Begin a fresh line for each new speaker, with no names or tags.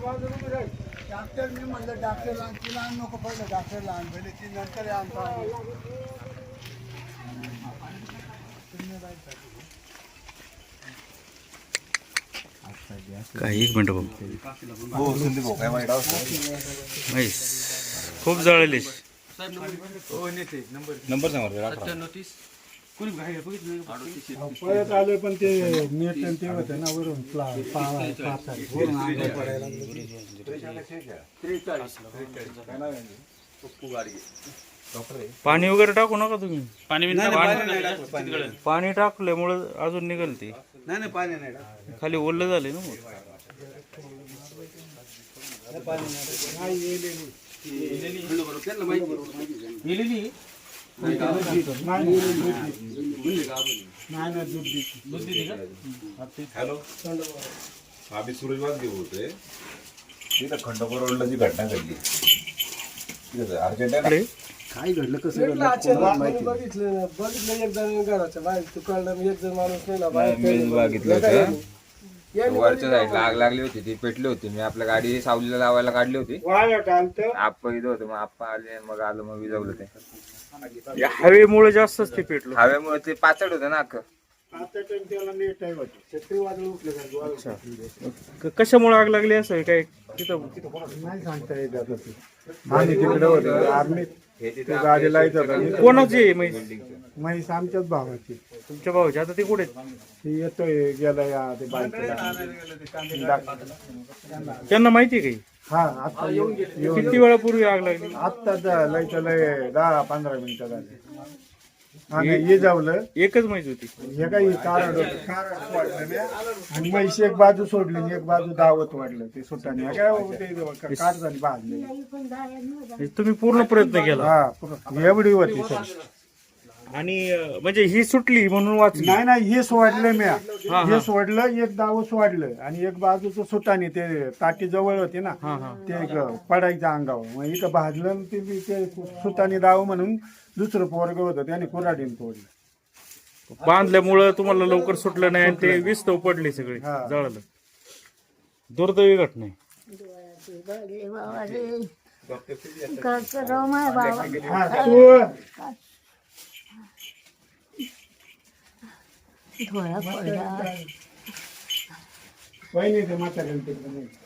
Doctor मी म्हणलं डॉक्टरला तिला आण नको पडलं डॉक्टरला आण पहिले ती नंतर आणतो
काय एक मिनिट भाऊ म्हैस खूप जळलेली.
नंबर सांगा
परत आले पण ते नेट ते होते ना वरून
पाणी वगैरे टाकू नका तुम्ही. पाणी टाकल्यामुळे अजून निघेल ती.
नाही पाणी नाही
खाली ओलं झाले ना मग.
हॅलो आम्ही सुरजवाद बोलतोय. तिथं खंडोबा रोडला जी घटना घडली अर्जंट
काय घडलं कसं बघितलं एक जण घराच्या बाहेर तू कळलं एक जण माणूस नाही ना बाहेर
बघितलं होतं वरच्या साईडला आग लागली होती ती पेटली होती. मी आपल्या गाडी सावलीला लावायला काढली होती. आप्पा इथं होतं मग आप्पा आले मग आलो मग विजवलं ते.
हवेमुळे जास्तच ते पेटलं.
हवेमुळे ते पाचड होतं ना अख्खं.
कशामुळे आग लागली असं काय तिथं
नाही सांगता येत आता ते. आणि तिकडे होतं आर्मीत गाडी लाईत होता.
कोणाची आहे म्हैस?
म्हैस आमच्याच भावाची.
तुमच्या भाऊची. आता ते कुठे?
ती येतोय गेला या ते बाईकला.
त्यांना माहिती आहे काही?
हा आता येऊन
किती वेळापूर्वी आग लागली?
आत्ता लय 10-15 मिनिटं झाली. आणि हे जावलं
एकच म्हैस होती.
हे काही कारण वाढलं आणि म्हैस एक बाजू सोडली आणि एक बाजू दावत वाढलं ते सुटाने. काय काट झाली भाजले.
तुम्ही पूर्ण प्रयत्न केला?
हा एवढी होती सर.
आणि म्हणजे ही सुटली म्हणून वाचली?
नाही हे सोडलं म्या. हे सोडलं एक दाव सोडलं आणि एक बाजूचं सुटाने ते ताटी जवळ होती ना ते पडायचं अंगावर. मग इथं भाजलं ते सुताने दाव म्हणून दुसरं पोरग होतं त्याने कुऱ्हाडीने तोडलं.
बांधल्यामुळं तुम्हाला लवकर सुटलं नाही आणि ते विस्तव पडले सगळे जळालं. दुर्दैवी घटना आहे.
वहिनी ते माता गणपती